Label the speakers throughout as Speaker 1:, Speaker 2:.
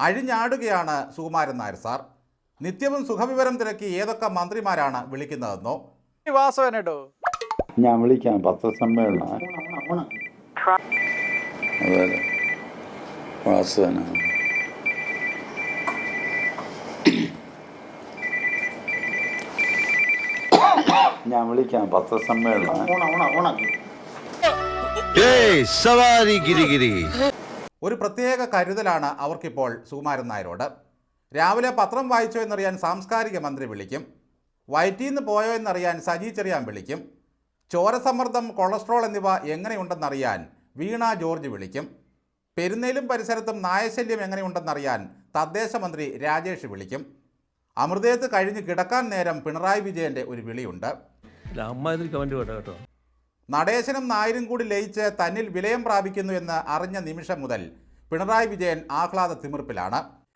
Speaker 1: അഴിഞ്ഞാടുകയാണ് Sukumaran Nair sir. നിത്യവും സുഖവിവരം തിരക്കി ഏതൊക്കെ മന്ത്രിമാരാണ് വിളിക്കുന്നതെന്നോ.
Speaker 2: വാസവനോ
Speaker 3: ഞാൻ വിളിക്കാം. പത്രസമ്മേളനം അതെ വാസവന ഞാൻ വിളിക്കാം. പത്രസമ്മേളനം
Speaker 1: ഒരു പ്രത്യേക കരുതലാണ് അവർക്കിപ്പോൾ സുകുമാരൻ നായരോട്. രാവിലെ പത്രം വായിച്ചോ എന്നറിയാൻ സാംസ്കാരിക മന്ത്രി വിളിക്കും. വയറ്റീന്ന് പോയോ എന്നറിയാൻ സജി ചെറിയാൻ വിളിക്കും. ചോരസമ്മർദ്ദം, കൊളസ്ട്രോൾ എന്നിവ എങ്ങനെയുണ്ടെന്നറിയാൻ വീണ ജോർജ് വിളിക്കും. പെരുന്നേലും പരിസരത്തും നായശല്യം എങ്ങനെയുണ്ടെന്നറിയാൻ തദ്ദേശ മന്ത്രി രാജേഷ് വിളിക്കും. അമൃതേത്ത് കഴിഞ്ഞ് കിടക്കാൻ നേരം പിണറായി വിജയൻ്റെ ഒരു വിളിയുണ്ട്. നടേശനും നായരും കൂടി ലയിച്ച് തന്നിൽ വിലയം പ്രാപിക്കുന്നു എന്ന് അറിഞ്ഞ നിമിഷം മുതൽ പിണറായി വിജയൻ ആഹ്ലാദ തിമിർപ്പിലാണ്.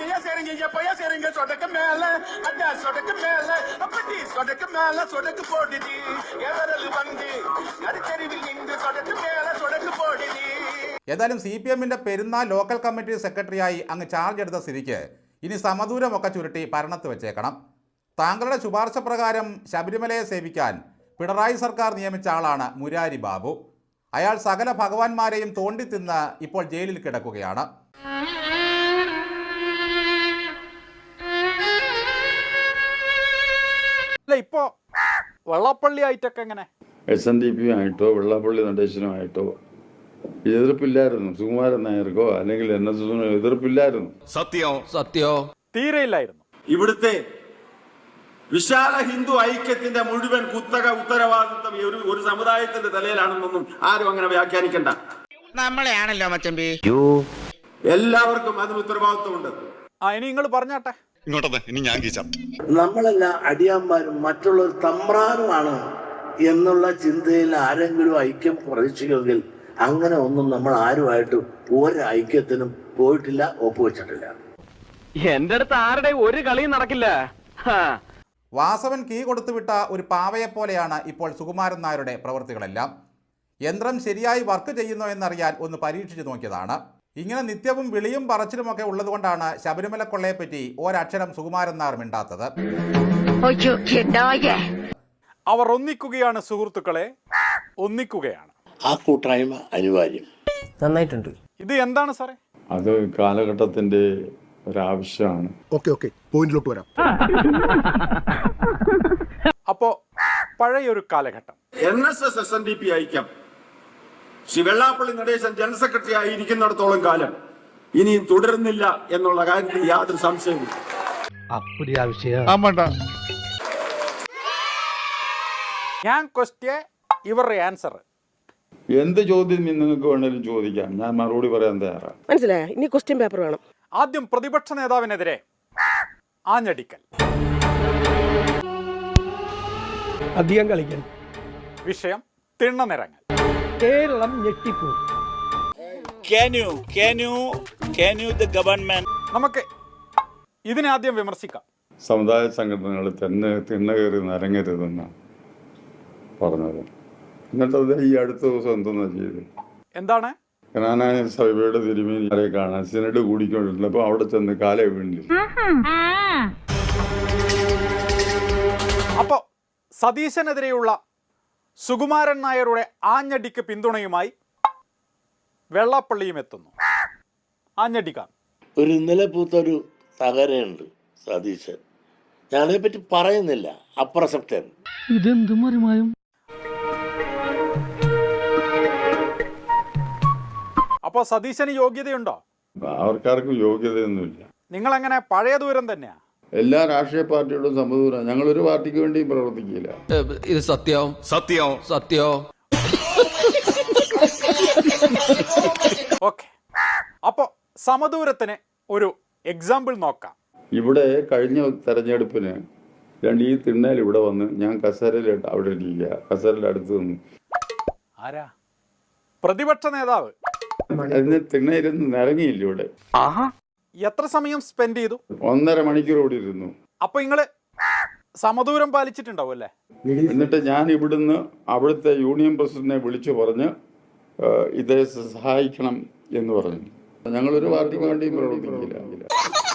Speaker 1: ഏതായാലും CPM-ന്റെ പെരുന്നാൾ ലോക്കൽ കമ്മിറ്റി സെക്രട്ടറിയായി അങ്ങ് ചാർജ് എടുത്ത സ്ഥിതിക്ക് ഇനി സമദൂരമൊക്കെ ചുരുട്ടി ഭരണത്ത് വെച്ചേക്കണം. താങ്കളുടെ ശുപാർശ പ്രകാരം ശബരിമലയെ സേവിക്കാൻ പിണറായി സർക്കാർ നിയമിച്ച ആളാണ് മുരാരി ബാബു. അയാൾ സകല ഭഗവാന്മാരെയും തോണ്ടിത്തിന്ന് ഇപ്പോൾ ജയിലിൽ കിടക്കുകയാണ്.
Speaker 2: ഇപ്പോ വെള്ളാപ്പള്ളി ആയിട്ടൊക്കെ എങ്ങനെ
Speaker 3: SNDP ആയിട്ടോ വെള്ളാപ്പള്ളി നടേശനുമായിട്ടോ എതിർപ്പില്ലായിരുന്നു. സുകുമാരൻ നായർക്കോ അല്ലെങ്കിൽ NSSനോ എതിർപ്പില്ലായിരുന്നു.
Speaker 4: സത്യോ
Speaker 2: തീരെയില്ലായിരുന്നു.
Speaker 5: ഇവിടുത്തെ വിശാല ഹിന്ദു ഐക്യത്തിന്റെ മുഴുവൻ ഉത്തരവാദിത്വം ഒരു സമുദായത്തിന്റെ തലയിലാണെന്നൊന്നും ആരും അങ്ങനെ വ്യാഖ്യാനിക്കണ്ട.
Speaker 4: നമ്മളെയാണല്ലോ മച്ചമ്പി.
Speaker 5: എല്ലാവർക്കും അതിന് ഉത്തരവാദിത്വമുണ്ട്.
Speaker 2: ഇനി നിങ്ങൾ പറഞ്ഞാട്ടെ.
Speaker 6: ഇനി ഞാൻ കീച്ചാം.
Speaker 7: നമ്മളെല്ലാം അടിയാന്മാരും മറ്റുള്ളവർ തമ്പ്രാനുമാണ് എന്നുള്ള ചിന്തയിൽ ആരെങ്കിലും ഐക്യം പ്രതീക്ഷിക്കുമെങ്കിൽ അങ്ങനെ ഒന്നും നമ്മൾ ആരുമായിട്ടും ഒരു ഐക്യത്തിനും പോയിട്ടില്ല, ഒപ്പുവെച്ചിട്ടില്ല.
Speaker 8: എന്റെ അടുത്ത് ആരുടെ ഒരു കളിയും നടക്കില്ല.
Speaker 1: വാസവൻ കീ കൊടുത്തുവിട്ട ഒരു പാവയെപ്പോലെയാണ് ഇപ്പോൾ സുകുമാരൻ നായരുടെ പ്രവൃത്തികളെല്ലാം. യന്ത്രം ശരിയായി വർക്ക് ചെയ്യുന്നോ എന്നറിയാൻ ഒന്ന് പരീക്ഷിച്ചു നോക്കിയതാണ്. ഇങ്ങനെ നിത്യവും വിളിയും പറച്ചിലുമൊക്കെ ഉള്ളതുകൊണ്ടാണ് ശബരിമല കൊള്ളയെപ്പറ്റി ഒരക്ഷരം സുകുമാരൻ നായർ മിണ്ടാത്തത്.
Speaker 2: അവർ ഒന്നിക്കുകയാണ് സുഹൃത്തുക്കളെ, ഒന്നിക്കുകയാണ്.
Speaker 7: ആ കൂട്ടായ്മ അനിവാര്യം.
Speaker 9: നന്നായിട്ടുണ്ട്.
Speaker 2: ഇത് എന്താണ് സാറേ?
Speaker 3: അത് കാലഘട്ടത്തിന്റെ ഒരാവശ്യമാണ്.
Speaker 6: ഓക്കെ പോയിന്റിലോട്ട് വരാം.
Speaker 2: അപ്പോ പഴയൊരു കാലഘട്ടം
Speaker 5: NSS SNDP ഐക്യം ശ്രീ വെള്ളാപ്പള്ളി നടേശൻ ജനറൽ സെക്രട്ടറി ആയിരിക്കുന്നിടത്തോളം കാലം ഇനിയും തുടരുന്നില്ല എന്നുള്ള കാര്യത്തിൽ യാതൊരു സംശയവും.
Speaker 2: ഞാൻ ക്വസ്റ്റ്യൻ, ഇവരുടെ ആൻസർ.
Speaker 3: എന്ത് ചോദ്യം നിങ്ങൾക്ക് വേണേലും ചോദിക്കാം, ഞാൻ മറുപടി പറയാൻ തയ്യാറാണ്.
Speaker 9: മനസ്സിലായോ? ഇനി ക്വസ്റ്റ്യൻ പേപ്പർ വേണം.
Speaker 2: ആദ്യം പ്രതിപക്ഷ നേതാവിനെതിരെ ആഞ്ഞടിക്കൽ.
Speaker 9: അധികം കളിക്കാൻ.
Speaker 2: വിഷയം തിണ്ണനിറങ്ങൽ.
Speaker 9: കേരളം ഞെട്ടിപ്പോ.
Speaker 2: നമുക്ക് ഇതിനെ ആദ്യം വിമർശിക്കാം.
Speaker 3: സമുദായ സംഘടനകൾ തിണ്ണ കയറി നരങ്ങരുതെന്നാണ് പറഞ്ഞത്. എന്നിട്ടത് ഈ അടുത്ത ദിവസം എന്തെന്നാ ചെയ്ത്?
Speaker 2: എന്താണ്?
Speaker 3: കനാനായ സഭയുടെ തിരുമേനിയെ കാണാൻ സിനഡ് കൂടിക്കൊണ്ടിരുന്നപ്പോൾ അവിടെ ചെന്ന് കാലേ വീണില്ല.
Speaker 2: അപ്പോ സതീശനെതിരെയുള്ള സുകുമാരൻ നായരുടെ ആഞ്ഞടിക്ക് പിന്തുണയുമായി വെള്ളാപ്പള്ളിയും എത്തുന്നു. ആഞ്ഞടിക്കാൻ
Speaker 7: ഒരു ഇന്നലെ പൂത്തൊരു തകരയുണ്ട് സതീശൻ. ഞാനതിനെപ്പറ്റി പറയുന്നില്ല, അപ്രസക്തൻ.
Speaker 9: ഇതെന്തും മറിമായും.
Speaker 2: അപ്പോ സതീശന് യോഗ്യതയുണ്ടോ?
Speaker 3: അവർക്കാർക്കും യോഗ്യതയൊന്നുമില്ല.
Speaker 2: നിങ്ങൾ എങ്ങനെ പഴയ ദൂരം തന്നെയാ?
Speaker 3: എല്ലാ രാഷ്ട്രീയ പാർട്ടിയോടും സമദൂരം. ഞങ്ങൾ ഒരു പാർട്ടിക്ക് വേണ്ടിയും പ്രവർത്തിക്കില്ല.
Speaker 4: ഇത് സത്യോ.
Speaker 2: ഓക്കെ, അപ്പോ സമദൂരത്തിന് ഒരു എക്സാമ്പിൾ നോക്കാം.
Speaker 3: ഇവിടെ കഴിഞ്ഞ തെരഞ്ഞെടുപ്പിന് ഈ തിണ്ണയിൽ ഇവിടെ വന്ന് ഞാൻ കസേരയിൽ അവിടെ ഇരിക്കുക, കസേരയുടെ അടുത്ത് നിന്ന്.
Speaker 2: ആരാ? പ്രതിപക്ഷ നേതാവ്.
Speaker 3: അതിന് തിണ്ണയിരുന്ന് നിറങ്ങിയില്ല ഇവിടെ.
Speaker 2: എത്ര സമയം സ്പെൻഡ് ചെയ്തു?
Speaker 3: 1.5 മണിക്കൂർ കൂടി ഇരുന്നു.
Speaker 2: അപ്പൊ നിങ്ങള് സമദൂരം പാലിച്ചിട്ടുണ്ടാവും അല്ലേ?
Speaker 3: എന്നിട്ട് ഞാൻ ഇവിടുന്ന് അവിടുത്തെ യൂണിയൻ പ്രസിഡന്റിനെ വിളിച്ചു പറഞ്ഞ് ഇതേ സഹായിക്കണം എന്ന് പറഞ്ഞു. ഞങ്ങളൊരു പാർട്ടിക്ക് വേണ്ടിയും പ്രവർത്തിക്കില്ല.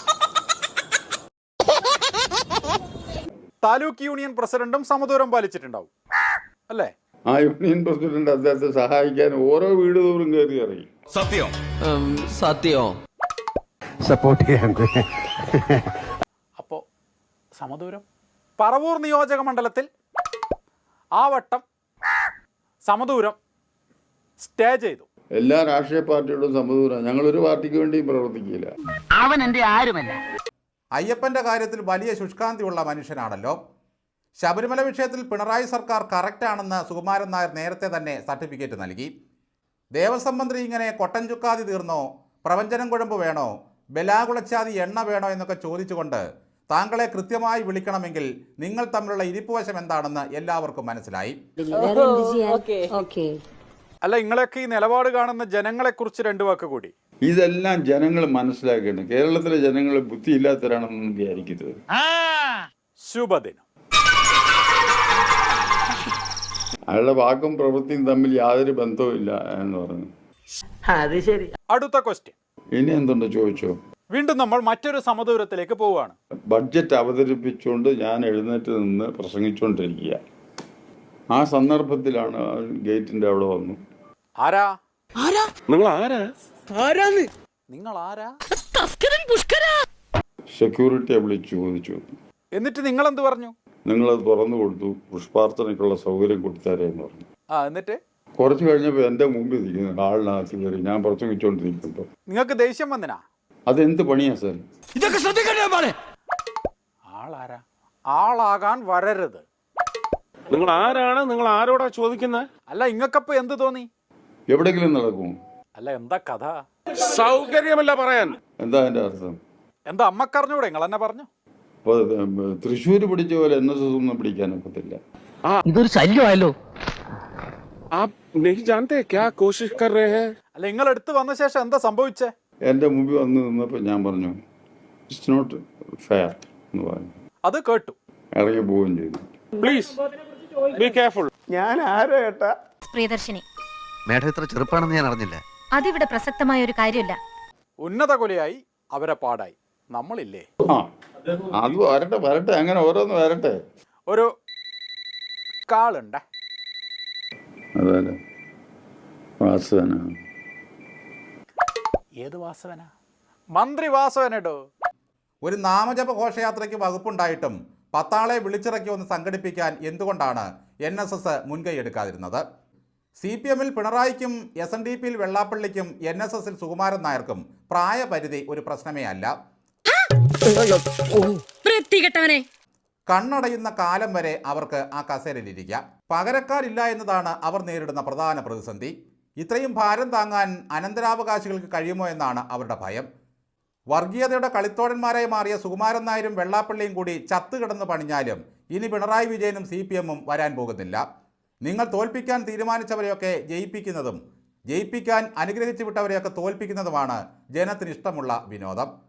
Speaker 2: താലൂക്ക് യൂണിയൻ പ്രസിഡന്റും സമദൂരം പാലിച്ചിട്ടുണ്ടാവും അല്ലേ?
Speaker 3: ആ യൂണിയൻ പ്രസിഡന്റ് അദ്ദേഹത്തെ സഹായിക്കാൻ ഓരോ വീട് തോറും കയറി ഇറങ്ങി.
Speaker 6: സത്യം
Speaker 4: സത്യം.
Speaker 6: സപ്പോർട്ട് ചെയ്യാൻ.
Speaker 2: അപ്പോൾ സമദൂരം പറവൂർ നിയോജക മണ്ഡലത്തിൽ ആ വട്ടം സമദൂരം സ്റ്റേ ചെയ്തു.
Speaker 3: എല്ലാ രാഷ്ട്രീയ പാർട്ടിയോടും സമദൂരം. ഞങ്ങളൊരു പാർട്ടിക്ക് വേണ്ടിയും പ്രവർത്തിക്കില്ല.
Speaker 8: അവൻ എന്റെ ആരുമല്ല.
Speaker 1: അയ്യപ്പൻ്റെ കാര്യത്തിൽ വലിയ ശുഷ്കാന്തിയുള്ള മനുഷ്യനാണല്ലോ. ശബരിമല വിഷയത്തിൽ പിണറായി സർക്കാർ കറക്റ്റാണെന്ന് സുകുമാരൻ നായർ നേരത്തെ തന്നെ സർട്ടിഫിക്കറ്റ് നൽകി. ദേവസ്വം മന്ത്രി ഇങ്ങനെ കൊട്ടൻ ചുക്കാതി തീർന്നോ, പ്രവഞ്ചനം കുഴമ്പ് വേണോ, ബലാകുളച്ചാതി എണ്ണ വേണോ എന്നൊക്കെ ചോദിച്ചുകൊണ്ട് താങ്കളെ കൃത്യമായി വിളിക്കണമെങ്കിൽ നിങ്ങൾ തമ്മിലുള്ള ഇരിപ്പുവശം എന്താണെന്ന് എല്ലാവർക്കും മനസ്സിലായി.
Speaker 2: അല്ല, നിങ്ങളൊക്കെ ഈ നിലപാട് കാണുന്ന ജനങ്ങളെക്കുറിച്ച് രണ്ടു വാക്ക് കൂടി.
Speaker 3: ഇതെല്ലാം ജനങ്ങൾ മനസ്സിലാക്കണം. കേരളത്തിലെ ജനങ്ങൾ ബുദ്ധിയില്ലാത്തവരാണെന്ന് വിചാരിക്കുന്നത്.
Speaker 2: ശുഭദിനം.
Speaker 3: അയാളുടെ വാക്കും പ്രവൃത്തിയും തമ്മിൽ യാതൊരു ബന്ധവുമില്ല എന്ന് പറഞ്ഞു.
Speaker 8: അത് ശരി.
Speaker 2: അടുത്ത ക്വസ്റ്റ്യൻ.
Speaker 3: ഇനി എന്തുണ്ടോ ചോദിച്ചോ.
Speaker 2: വീണ്ടും നമ്മൾ മറ്റൊരു സമദൂരത്തിലേക്ക് പോവുകയാണ്.
Speaker 3: ബഡ്ജറ്റ് അവതരിപ്പിച്ചുകൊണ്ട് ഞാൻ എഴുന്നേറ്റ് നിന്ന് പ്രസംഗിച്ചുകൊണ്ടിരിക്കുക. ആ സന്ദർഭത്തിലാണ് ഗേറ്റിന്റെ അവിടെ വന്നു.
Speaker 2: ആരാ?
Speaker 8: നിങ്ങൾ ആരാ?
Speaker 2: നിങ്ങൾ ആരാ?
Speaker 3: സെക്യൂരിറ്റിയെ വിളിച്ചു ചോദിച്ചു.
Speaker 2: എന്നിട്ട് നിങ്ങൾ എന്ത് പറഞ്ഞു?
Speaker 3: നിങ്ങളത് തുറന്നു കൊടുത്തു, പുഷ്പാർച്ചനയ്ക്കുള്ള സൗകര്യം കൊടുത്താരേ എന്ന് പറഞ്ഞു.
Speaker 2: എന്നിട്ട്
Speaker 3: കുറച്ച് കഴിഞ്ഞപ്പോൾ എൻ്റെ മുമ്പിൽ ഇരിക്കുന്നു ആളിനകത്ത് കയറി. ഞാൻ പ്രസംഗിച്ചുകൊണ്ടിരിക്കുമ്പോൾ
Speaker 2: നിങ്ങൾക്ക് ദേഷ്യം വന്നിനാ?
Speaker 3: അതെന്ത് പണിയാ സാർ?
Speaker 4: ഇതൊക്കെ ശ്രദ്ധിക്കണ്ടേ?
Speaker 2: ആളാരാ? ആളാകാൻ വരരുത്.
Speaker 8: നിങ്ങൾ ആരാണ്? നിങ്ങൾ ആരോടാ ചോദിക്കുന്നത്?
Speaker 2: അല്ല, ഇങ്ങക്കപ്പോ എന്ത് തോന്നി?
Speaker 3: എവിടെയെങ്കിലും നടക്കുമോ?
Speaker 2: അല്ല, എന്താ കഥ?
Speaker 8: സൗകര്യമല്ല പറയാൻ.
Speaker 3: എന്താ അതിൻ്റെ അർത്ഥം?
Speaker 2: എന്താ അമ്മക്കറിഞ്ഞൂടെ? നിങ്ങൾ തന്നെ പറഞ്ഞു.
Speaker 3: അപ്പോൾ തൃശ്ശൂർ പിടിച്ച പോലെ NSS ഒന്നും പിടിക്കാനൊക്കത്തില്ല.
Speaker 8: ഇതൊരു ശല്യമായല്ലോ.
Speaker 2: അല്ല, നിങ്ങൾ എടുത്തു വന്ന ശേഷം എന്താ സംഭവിച്ചേ?
Speaker 3: എൻ്റെ മുമ്പിൽ വന്ന് നിന്നപ്പോൾ ഞാൻ പറഞ്ഞു ഇറ്റ്സ് നോട്ട് ഫെയർ എന്ന് പറഞ്ഞു.
Speaker 2: അത് കേട്ടു.
Speaker 3: ഇറങ്ങി പോവുകയും ചെയ്തു.
Speaker 8: Please be careful.
Speaker 2: ഞാൻ ആരോ ഏട്ടാ?
Speaker 10: പ്രിയദർശിനി.
Speaker 4: മേഡം ഇത്ര ചെറുപ്പാണെന്ന് ഞാൻ അറിഞ്ഞില്ല.
Speaker 10: അതിവിടെ പ്രസക്തമായ ഒരു കാര്യമില്ല.
Speaker 2: ഉന്നത കൊലയായി അവരെ പാടായി. നമ്മളില്ലേ?
Speaker 3: അത് വരട്ടെ അങ്ങനെ ഓരോന്ന് വരട്ടെ.
Speaker 2: ഒരു കാളുണ്ട്.
Speaker 3: അതല്ലേ വാസവന.
Speaker 2: ഏത് വാസവന? മന്ത്രി വാസവനടോ.
Speaker 1: ഒരു നാമജപ ഘോഷയാത്രയ്ക്ക് വകുപ്പുണ്ടായിട്ടും 10 ആളെ വിളിച്ചിറക്കി ഒന്ന് സംഘടിപ്പിക്കാൻ എന്തുകൊണ്ടാണ് NSS മുൻകൈ എടുക്കാതിരുന്നത്? CPM-ൽ പിണറായിക്കും SNDP-ൽ വെള്ളാപ്പള്ളിക്കും NSS-ൽ സുകുമാരൻ നായർക്കും പ്രായപരിധി ഒരു പ്രശ്നമേ അല്ല. കണ്ണടയുന്ന കാലം വരെ അവർക്ക് ആ കസേരയിലിരിക്കാം. പകരക്കാരില്ല എന്നതാണ് അവർ നേരിടുന്ന പ്രധാന പ്രതിസന്ധി. ഇത്രയും ഭാരം താങ്ങാൻ അനന്തരാവകാശികൾക്ക് കഴിയുമോ എന്നാണ് അവരുടെ ഭയം. വർഗീയതയുടെ കളിത്തോഴന്മാരായി മാറിയ സുകുമാരൻ നായരും വെള്ളാപ്പള്ളിയും കൂടി ചത്തുകിടന്ന് പണിഞ്ഞാലും ഇനി പിണറായി വിജയനും CPM-ഉം വരാൻ പോകുന്നില്ല. നിങ്ങൾ തോൽപ്പിക്കാൻ തീരുമാനിച്ചവരെയൊക്കെ ജയിപ്പിക്കുന്നതും ജയിപ്പിക്കാൻ അനുഗ്രഹിച്ചു വിട്ടവരെയൊക്കെ തോൽപ്പിക്കുന്നതുമാണ് ജനത്തിന് ഇഷ്ടമുള്ള വിനോദം.